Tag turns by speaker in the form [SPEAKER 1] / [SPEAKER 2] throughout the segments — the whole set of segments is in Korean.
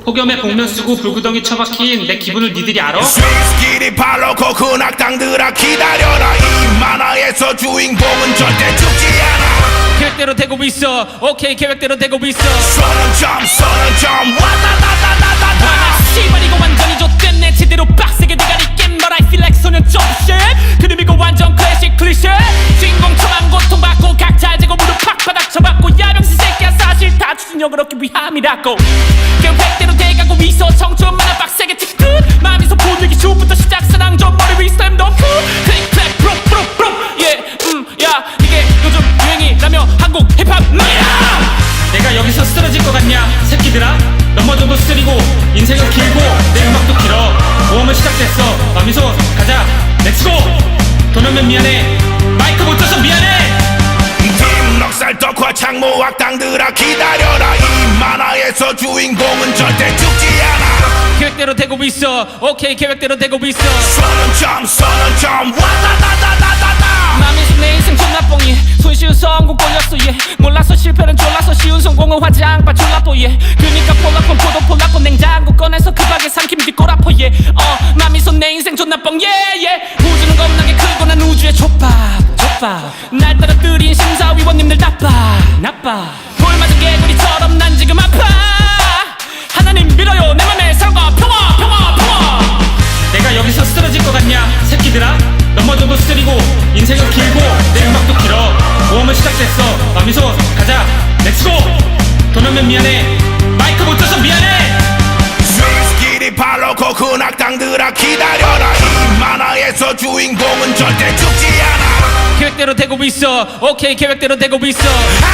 [SPEAKER 1] 폭염에 복면 쓰고 불구덩이 처박힌 내 기분을 니들이 알아?
[SPEAKER 2] 스위스끼리 발로고 근악당들아 기다려라. 이 만화에서 주인공은 절대 죽지 않아.
[SPEAKER 3] 계획대로 되고 있어. 오케이 계획대로 되고 있어.
[SPEAKER 2] 선언 점 와다다다다다다.
[SPEAKER 3] 씨발 이거 완전히 좆됐네. 제대로 빡세게 대가리 깬 But I feel like 소년 좀 shit. 그놈 이거 완전 클래식 클리셰. 주인공 처만 고통받고 각자 재고 무릎 팍바닥 쳐받고 야병신 새끼야 사실 다 추진력을 얻기 위함이라고. 계획대로 돼가고 있어. 청춘 만화 빡세게 찍듯 마음에서 보내기 슛부터 시작 사랑전 머리 위 스탬 더 쿨. 클릭 클릭 프롬 야 이게 요즘 유행이라며 한국 힙합
[SPEAKER 1] 내가 여기서 쓰러질 것 같냐 새끼들아. 넘어져도 쓰리고 인생은 길고 내 음악도 길어. 모험은 시작됐어. 마미소 가자 렛츠고. 도면면 미안해 마이크 못 줘서 미안해.
[SPEAKER 2] 팀 넉살 덕화 창모 악당들아 기다려라. 이 만화에서 주인공은 절대 죽지 않아.
[SPEAKER 3] 계획대로 되고 있어. 오케이 계획대로 되고 있어.
[SPEAKER 2] 선언 점 와다다다다다다.
[SPEAKER 3] 마음에서 내 인생 존나 뽕이 손쉬운 성공 꼴렸어 yeah. 몰라서 실패는 졸라서 쉬운 성공은 화장바 졸라보 yeah. 그니까 폴라폰 포도 폴라포 냉장고 꺼내서 급하게 삼킴 뒷골아퍼 yeah. 마음에서 내 인생 존나 뽕 yeah, yeah. 우주는 겁나게 크고 난 우주의 족밥 날 떨어뜨린 심사위원님들 나빠 돌 맞은 개구리처럼 난 지금 아파. 하나님 밀어요 내 맘에 사랑과 평화.
[SPEAKER 1] 내가 여기서 쓰러질 것 같냐 새끼들아. 넘어져도 쓰리고 인생은 길고 내 음악도 길어. 모험은 시작됐어. 마미소 가자 렛츠고. 도면면 미안해 마이크 못 줘서 미안해.
[SPEAKER 2] 스위스끼리 발로고 근악당들아 기다려라. 이 만화에서 주인공은 절대 죽지 않아.
[SPEAKER 3] 계획대로 되고 있어. 오케이 계획대로 되고 있어.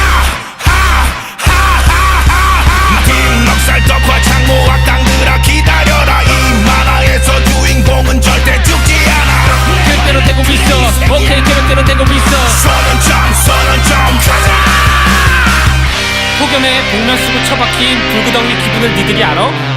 [SPEAKER 2] 팀 넉살 덕화 창모 악당들아 기다려라. 이 만화에서 주인공은 절대 죽지 않아.
[SPEAKER 3] 계획대로 되고 있어. 오케이 계획대로 되고 있어.
[SPEAKER 2] 선언 점 가자.
[SPEAKER 3] 폭염에 복면 쓰고 처박힌 불구덩이 기분을 니들이 알아?